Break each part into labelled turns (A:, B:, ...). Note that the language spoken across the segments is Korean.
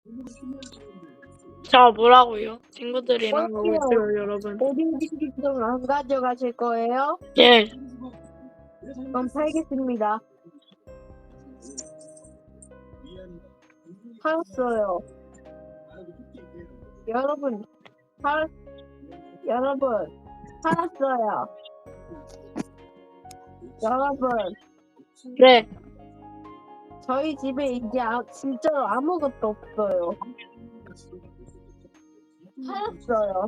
A: 자, 뭐라고요? 친구들이랑 가고 있어요, 여러분.
B: 오딘디기 좀 안 가져가실 거예요?
A: 예.
B: 그럼 팔겠습니다. 팔았어요. 여러분, 팔았어요. 여러분,
A: 네.
B: 저희 집에 이제 진짜로 아무것도 없어요. 팔았어요.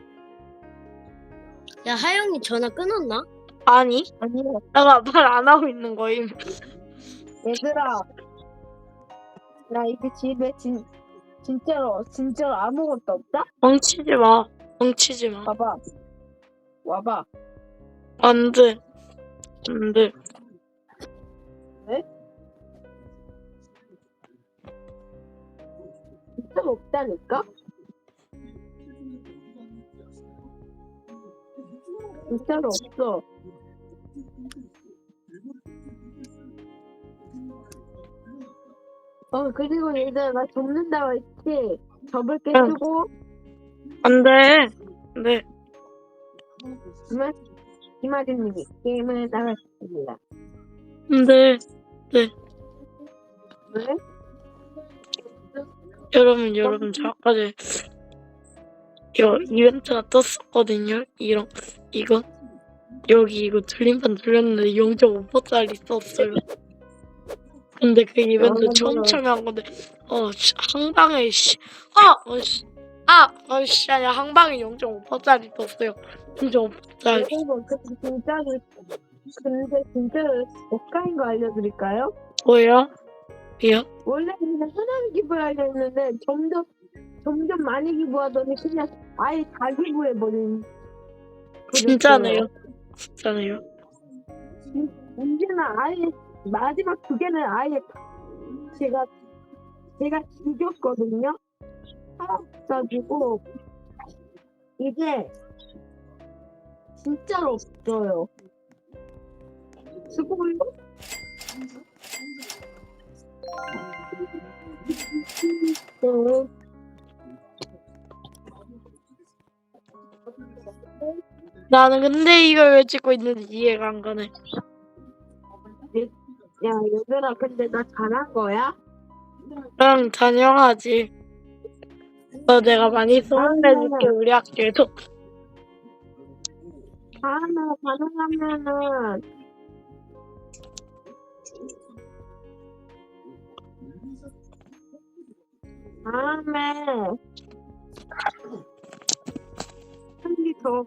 C: 야, 하영이 전화 끊었나?
A: 아니,
B: 아니요,
A: 내가 말 안 하고 있는 거임.
B: 얘들아. 나 이제 집에 진짜로 아무것도 없다?
A: 멍치지 마. 멍치지 마.
B: 봐봐. 와봐.
A: 안 돼. 안 돼.
B: 왜? 진짜로 없다니까? 진짜로 없어. 그리고 얘들아, 나 접는다고 했지? 접을 게
A: 응.
B: 쓰고,
A: 안 돼. 안 돼.
B: 그러면 이마진님이 게임을 나갔습니다.
A: 안 돼.
B: 왜?
A: 여러분, 저까지 이거 이벤트가 떴었거든요. 이거. 여기 이거 틀림판 틀렸는데 0.5%짜리 썼어요. 근데 그 이벤트 처음 참여한 건데, 한 방에, 아니야, 한 방에 0.5%짜리 떴어요. 0.5%짜리.
B: 근데 진짜로 억가인 거 알려드릴까요?
A: 뭐야?
B: 원래 그냥 흔한 기부를 하려 했는데 점점 많이 기부하더니 그냥 아예 다 기부해버린.
A: 진짜네요.
B: 문제는 아예 마지막 두 개는 아예 제가 죽였거든요. 살아가지고 이게 진짜로 없어요. 수고해요.
A: 나는 근데 이걸 왜 찍고 있는지 이해가 안 가네.
B: 야, 얘들아, 근데 나 잘한 거야?
A: 응, 당연하지. 너 내가 많이 소문내줄게, 우리 학교에서.
B: 다음에 가능하면은 한개더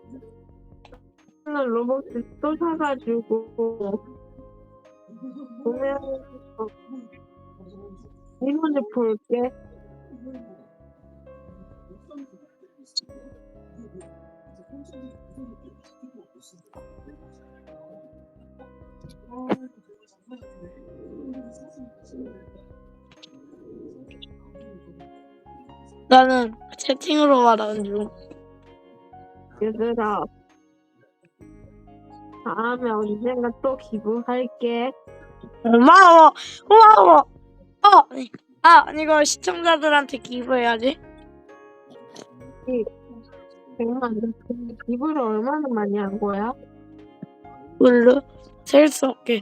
B: 로봇 또 사가지고 보면 이번에 볼게.
A: 나는 채팅으로 말하는 중.
B: 얘들아, 다음에 언젠가 또 기부할게.
A: 고마워. 이거 시청자들한테 기부해야지.
B: 100만. 근데 기부를 얼마나 많이 한 거야?
A: 물로 셀 수 없게.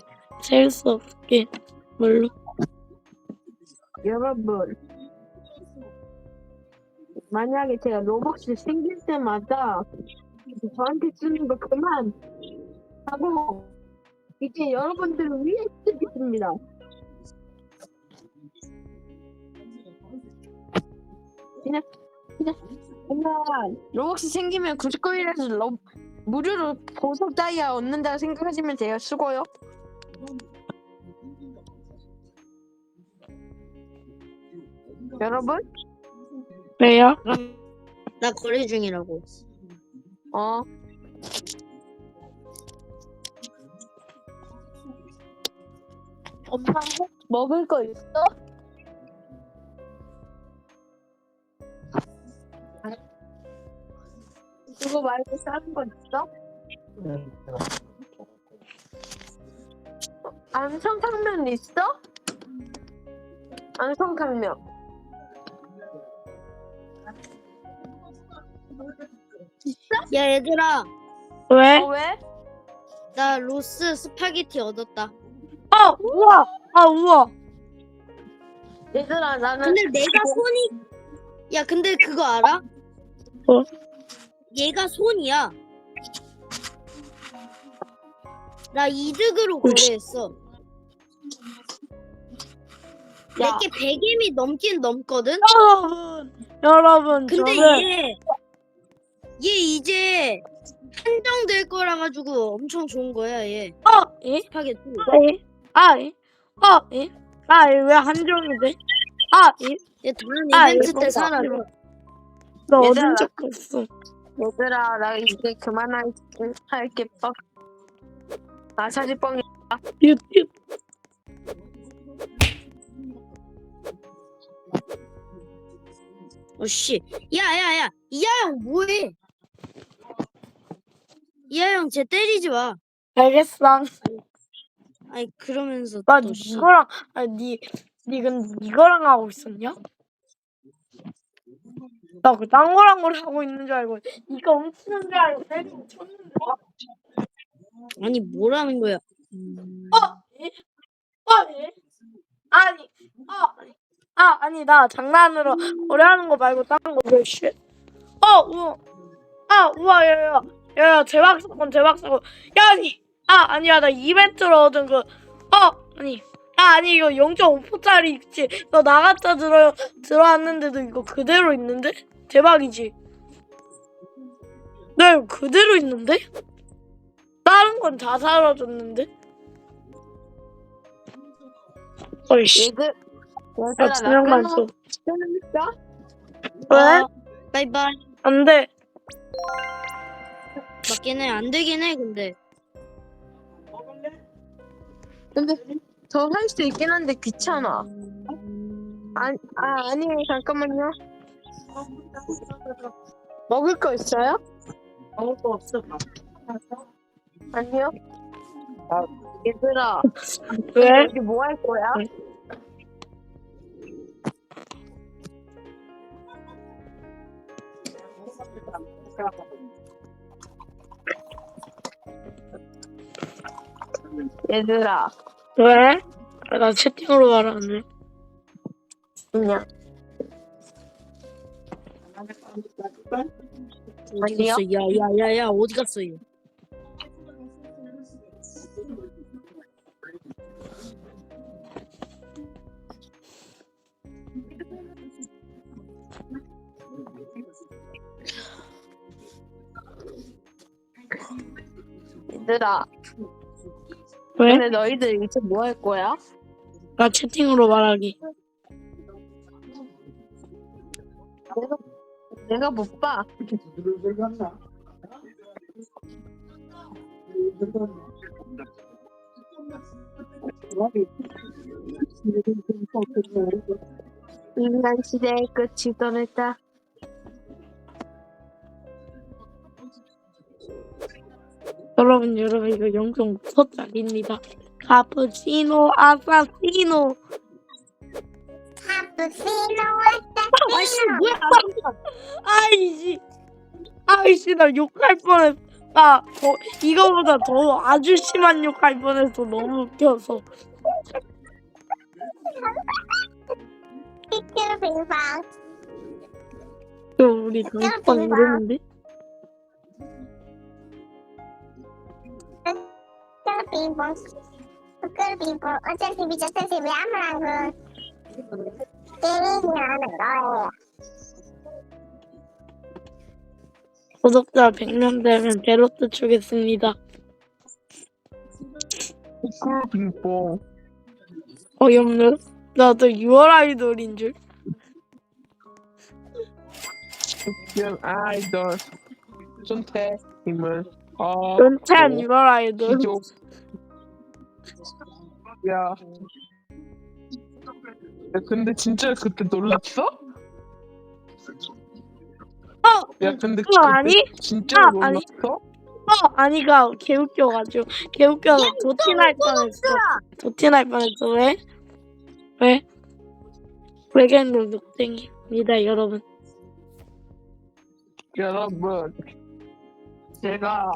A: 물로.
B: 여러분, 만약에 제가 로봇이 생길 때마다 저한테 쓰는 거 그만 하고 이제 여러분들을 위해 쓰겠습니다. 그냥 로봇이 생기면 99일에서 무료로 보석 다이아 얻는다고 생각하시면 돼요. 수고요. 여러분?
A: 왜요?
C: 나 거래 중이라고.
B: 엄마 먹을 거 있어? 그거 말고 다른 거 있어? 안성탕면 있어? 안성탕면.
C: 야 얘들아,
A: 왜?
B: 왜?
C: 나 로스 스파게티 얻었다.
A: 우와. 우와.
B: 얘들아 나는
C: 근데 내가 손이 야 근데 그거 알아?
A: 뭐?
C: 얘가 손이야. 나 이득으로
A: 혹시-
C: 거래했어.
B: 야.
C: 내게 100임이 넘긴 넘거든?
A: 여러분,
C: 근데
A: 저는
C: 얘 이제 한정될 거라 가지고 엄청 좋은 거야 얘.
A: 예?
C: 스파게티.
A: 예? 예? 왜 한정이 돼? 예?
C: 얘 다음
A: 아,
C: 이벤트
A: 이거
C: 때
A: 봐.
C: 사라.
A: 너
B: 얘들아.
A: 얻은 적 없어.
B: 얘들아 나 이제 그만할게 뻑. 아 사지뻥이.
A: 유튜브.
C: 어씨. 야야야. 이하영 뭐해? 이하영 쟤 때리지 마.
A: 알겠어.
C: 아니 그러면서
A: 나
C: 또 씨.
A: 이거랑, 니 근데 이거랑 하고 있었냐? 나 그 딴 거랑 하고 있는 줄 알고, 이거 훔치는 줄 알고 때리고 쳤는데.
C: 아니 뭐라는 거야?
A: 예? 예? 아니, 아니, 나 장난으로 거래하는 거 말고 딴 거, 왜, 쉣. 우와, 야, 대박 사건. 아니야, 나 이벤트로 얻은 아니, 이거 0.5%짜리 있지. 너 나갔다 들어왔는데도 이거 그대로 있는데? 대박이지? 나 이거 그대로 있는데? 다른 건 다 사라졌는데? 어이씨.
B: 얘들아
A: 야, 진영만 줘.
B: 끊을까?
A: 왜?
C: 바이바이.
A: 안 돼.
C: 맞긴 해. 안 되긴 해 근데.
B: 근데 더 할 수 있긴 한데 귀찮아. 아니 잠깐만요. 먹을 거 있어요?
A: 먹을 거 없어.
B: 아니요. 얘들아
A: 왜?
B: 여기 뭐 할 거야? 얘들아
A: 왜? 나 채팅으로 말하네.
B: 그냥
C: 어디
B: 아니요.
C: 갔어? 야야야야 어디 갔어 얘?
B: 얘들아
A: 왜?
B: 근데 너희들 이제 뭐 할 거야?
A: 나 채팅으로 말하기.
B: 내가 못 봐. 인간 시대의 끝이 떠났다.
A: 여러분, 이거 0.5%짜리입니다. 카푸치노 아사시노.
C: 아씨 뭐야?
A: 아이씨, 나 욕할 뻔했어. 이거보다 더 아주 심한 욕할 뻔했어. 너무 웃겨서. 우리 단톡방 이러는데?
D: 어차피 미쳤듯이 왜 아무랑 게임을 하는 거예요.
A: 구독자 100명 되면 제로트 주겠습니다.
B: 빙봉.
A: 어이없네. 나도 6월 아이돌인 줄.
E: 연 아이돌 선택임을
A: 은퇴한 6월 아이돌.
E: 기조. 야. 근데 진짜 그때 놀랐어? 야 근데
A: 그거 아니?
E: 진짜
A: 아니.
E: 놀랐어?
A: 아니가 개웃겨가지고 개웃겨서 도티날 뻔했어. 왜? 외계인들 녹땡이입니다, 여러분.
E: 여러분, 제가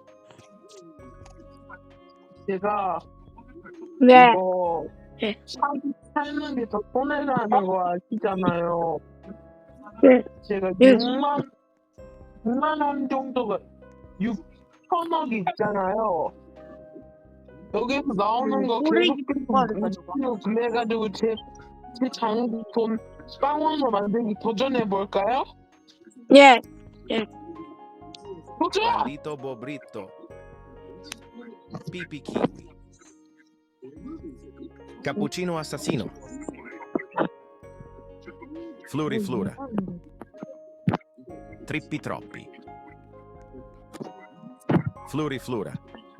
A: 네.
E: 이거
A: 네.
E: 살는 게 더 손해라는 거 아시잖아요.
A: 네.
E: 제가
A: 네.
E: 6만 원 정도가 6천억이 있잖아요. 여기서 나오는 거 계속 그래가지고 제 장 돈 빵원으로 만들기 도전해 볼까요?
A: 예.
E: 도전!
F: Bandito Bobrito. Pipi Kiwi. Cappuccino Assassino. Fluri Flura. Trippi Troppi. Fluri Flura.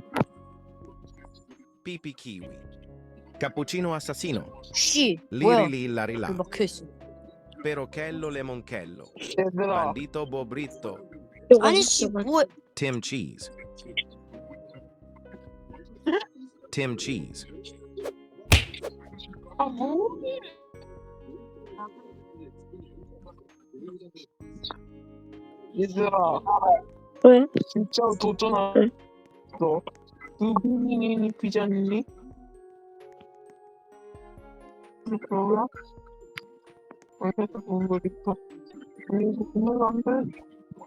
F: Pipi Kiwi. Cappuccino Assassino.
C: 씨 뭐야?
F: Liri Lilla
C: 그
F: Rila.
C: 막혀있어.
F: Perochello Lemonchello.
E: 얘들아,
F: Bandito Bobrito.
C: 아니 씨 뭐야?
F: Tim Cheese. Tim Cheese.
E: 아 뭐? 얘들아,
A: 왜?
E: 진짜 도전하어. 누구니 피자니? 그러나? 어디서 본 거리까? 이거 보면 안 돼.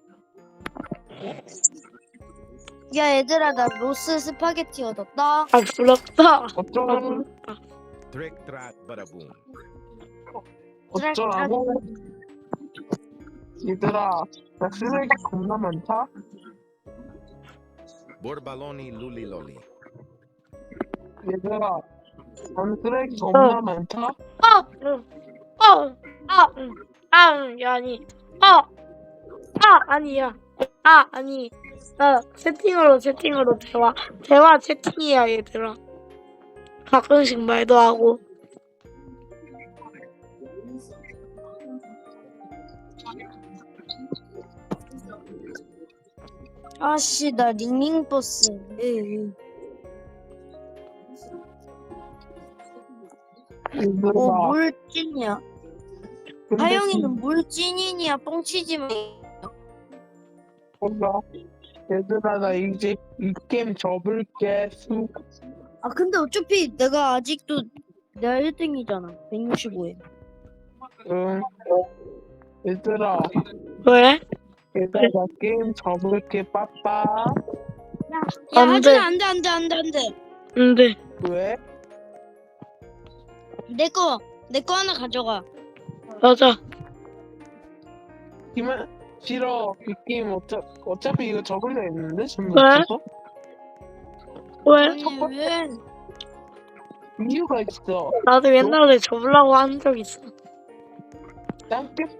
C: 야 얘들아 나 로스 스파게티 얻었다.
A: 아 부럽다.
E: 어쩌라고?
F: Trick Track Badaboom.
E: 어쩌라고? 얘들아, 나 쓰레기 겁나 많다.
F: Borbaloni Lulli Lolli.
E: 얘들아, 난 쓰레기 겁나 많다.
A: 아니. 아니야. 아니. 나 채팅으로 대화 채팅이야 얘들아. 가끔씩 말도 하고.
C: 아씨 나 링링 버스.
E: 얘들아,
C: 뭘 찐이야?
E: 근데
C: 하영이는 뭘 찐이냐? 뻥치지마.
E: 몰라. 얘들아, 나 이제 이 게임 접을게.
C: 아 근데 어차피 내가 아직도 내가 1등이잖아. 165에.
E: 응. 얘들아,
A: 왜?
E: 얘들아, 나 게임 접을게. 빠빠.
C: 야
A: 안 돼.
C: 하준아 안돼.
A: 근데
E: 왜?
C: 내 거 하나 가져가.
A: 맞아.
E: 기만 싫어. 이 게임 어차피 이거 접을려 했는데 지금
A: 왜?
E: 없어서
A: 왜?
C: 아니 왜?
E: 이유가 있어.
A: 나도 옛날에 접으려고 한 적 있어.
E: 난 게임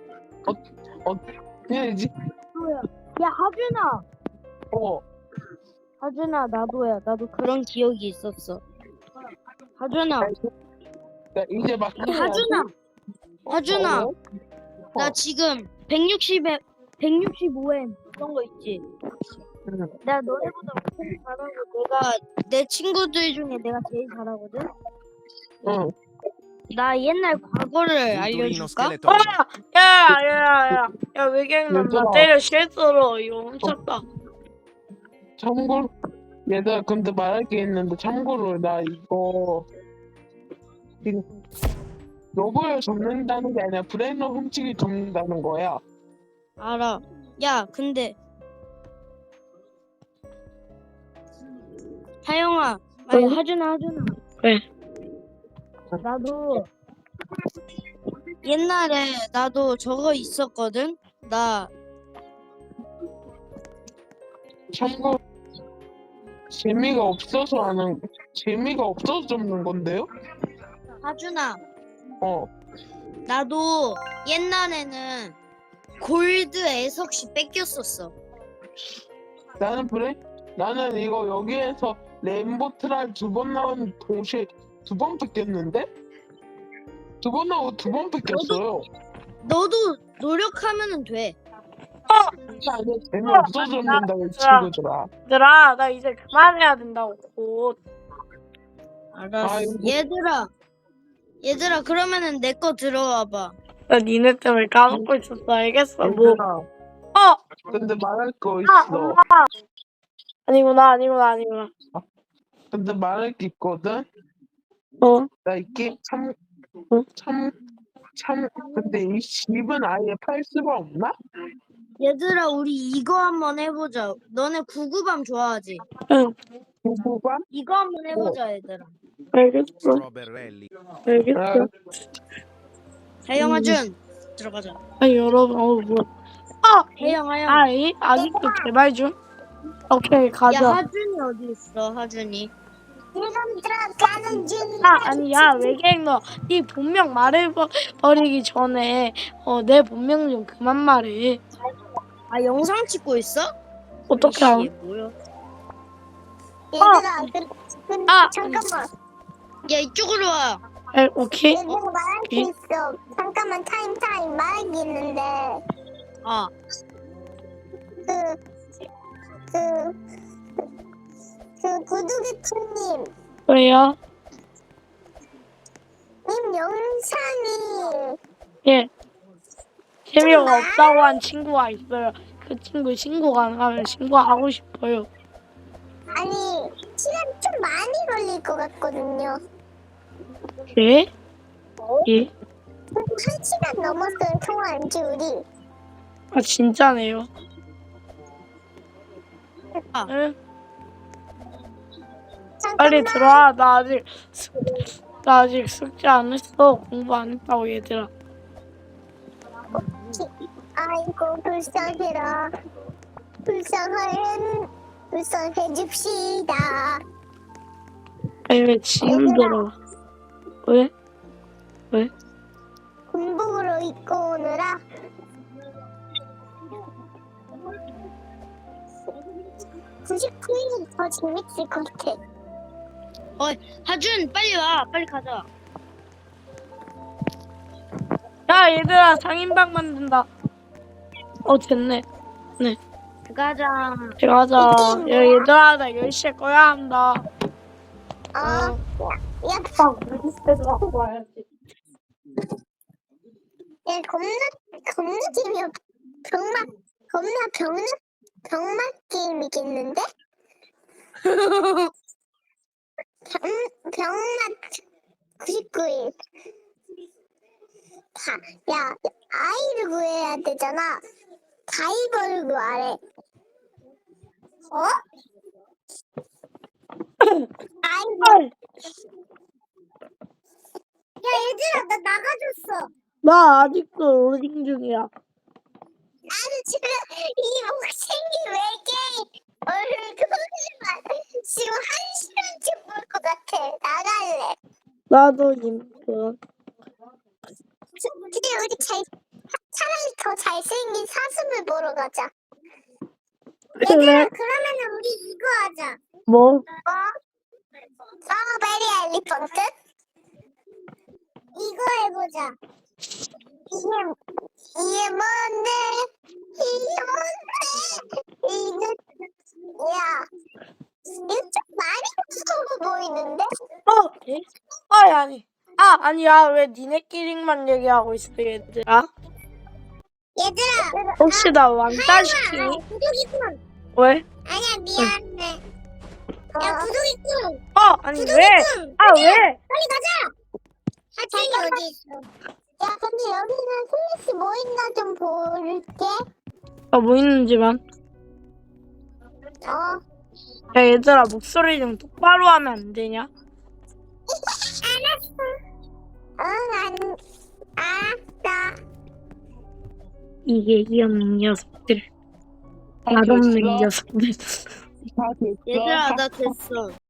E: 해야지.
C: 야 하준아.
E: 어.
C: 하준아 나도야. 나도 그런 기억이 있었어. 하준아.
E: 나 이제 막.
C: 하준아.
E: 어?
C: 나 지금 160에 165에 그런 거 있지.
E: 응.
C: 내가 너네보다 엄청 잘하고 내 친구들 중에 내가 제일 잘하거든.
E: 응.
C: 나 옛날 과거를
F: Vulturino
C: 알려줄까?
F: Skeleton.
A: 야 외계인놈 나
E: 얘들아.
A: 때려 실수로 이거 훔쳤다.
E: 참고로 얘들아, 근데 말할 게 있는데 참고로 나 이거 지금 로봇을 접는다는 게 아니라 브레인을 훔치기 접는다는 거야.
C: 알아. 야 근데 하영아, 아니
A: 어?
C: 하준아.
A: 왜?
C: 나도 옛날에 나도 저거 있었거든. 나
E: 참고 재미가 없어서 접는 건데요?
C: 하준아,
E: 어.
C: 나도 옛날에는 골드 애석시 뺏겼었어.
E: 나는 이거 여기에서 레인보 트랄 2번 나온 동시에 2번 뺏겼는데? 2번 나오고 2번 뺏겼어요.
C: 너도 노력하면은 돼.
E: 아니, 재미없어서 접는다고 이 친구들아.
A: 얘들아 나 이제 그만해야 된다고 곧.
C: 알았어.
E: 아이고.
C: 얘들아 그러면은 내 거 들어와봐.
A: 나 니네 때문에 까먹고 있었어. 알겠어. 뭐.
E: 얘들아, 근데 말할 거
A: 아,
E: 있어.
A: 엄마. 아니구나.
E: 근데 말할 게 있거든.
A: 어.
E: 나 이 게임
A: 응?
E: 근데 이 집은 아예 팔 수가 없나?
C: 얘들아 우리 이거 한번 해보자. 너네 구구밤 좋아하지?
A: 응.
E: 누구가?
C: 이거 한번 해보자 얘들아.
A: 알겠어.
F: Strawberry.
A: 알겠어.
C: 하영아준 들어가자.
A: 아니, 여러분, 뭐.
C: 하영.
A: 아이, 아직도 개발 중? 오케이,
C: 야
A: 가자.
C: 하준이 어디 있어? 하준이.
D: 지금 들어가는 중.
A: 아니야, 외계인 너. 네 본명 말해버리기 전에, 내 본명 좀 그만 말해.
C: 아 영상 찍고 있어?
A: 어떻게
C: 이씨,
A: 알아?
C: 뭐야?
D: 얘들아, 잠깐만.
C: 야 이쪽으로 와.
A: 오케이?
D: 얘들아, 말할 게 있어. 잠깐만, 타임. 말할 게 있는데.
C: 아
D: 구두개투님.
A: 왜요?
D: 님 영상이.
A: 예. 재미가 없다고 한 친구가 있어요. 그 친구 신고 가능하면 신고하고 싶어요.
D: 아니, 시간이 좀 많이 걸릴 것 같거든요.
A: 예? 예?
D: 1시간 넘었어요, 통화한 지 우리.
A: 아, 진짜네요.
C: 아.
A: 응?
D: 잠깐만.
A: 빨리 들어와. 나 아직 숙제 안 했어. 공부 안 했다고, 얘들아.
D: 아이고, 불쌍해라. 불쌍해 줍시다.
A: 아니, 왜 지금 들어와? 왜?
D: 군복으로 입고 오느라. (99일이) 더 재밌을 것 같아.
C: 하준 빨리 와. 빨리 가자.
A: 야, 얘들아, 상인방 만든다. 됐네.
C: 가자.
A: 가자. 야, 얘들아, 나 10시에 꺼야 한다.
D: 야, 야, 겁나 재미없. 병맛 게임이겠는데? 병맛 99일. 야, 아이를 구해야 되잖아. 다이버를 구하래. 아이고. 야, 얘들아, 나 나가줬어.
A: 나 아직도 로딩 중이야.
D: 나는 지금 이 목생기 외계인 얼굴만 지금 1시간째 볼 것 같아. 나갈래.
A: 나도 임금.
D: 근데 우리 차라리 더 잘생긴 사슴을 보러 가자.
A: 그래?
D: 그러면 우리 이거 하자.
A: 뭐?
D: 스트로베리 엘리펀트? 이거 해보자. 이게 뭔데? 야, 이거 좀 많이 무서워 보이는데?
A: 예? 아니야. 왜 니네끼리만 얘기하고 있어, 얘들아?
D: 얘들아,
A: 혹시 나 왕따 시키니?
D: 구독이꾼.
A: 왜?
D: 아니야, 미안해. 야, 구독이꾼.
A: 아니, 왜? 왜?
D: 빨리 가자. 하준이 어디 있어? 야, 근데 여기는 슬래시 뭐 있나 좀 볼게.
A: 뭐 있는지만. 야, 얘들아, 목소리 좀 똑바로 하면 안 되냐?
D: 알았어.
A: 이게 귀엽는 녀석들. 맛없는 녀석들.
E: 다 됐어.
C: 얘들아 나 됐어.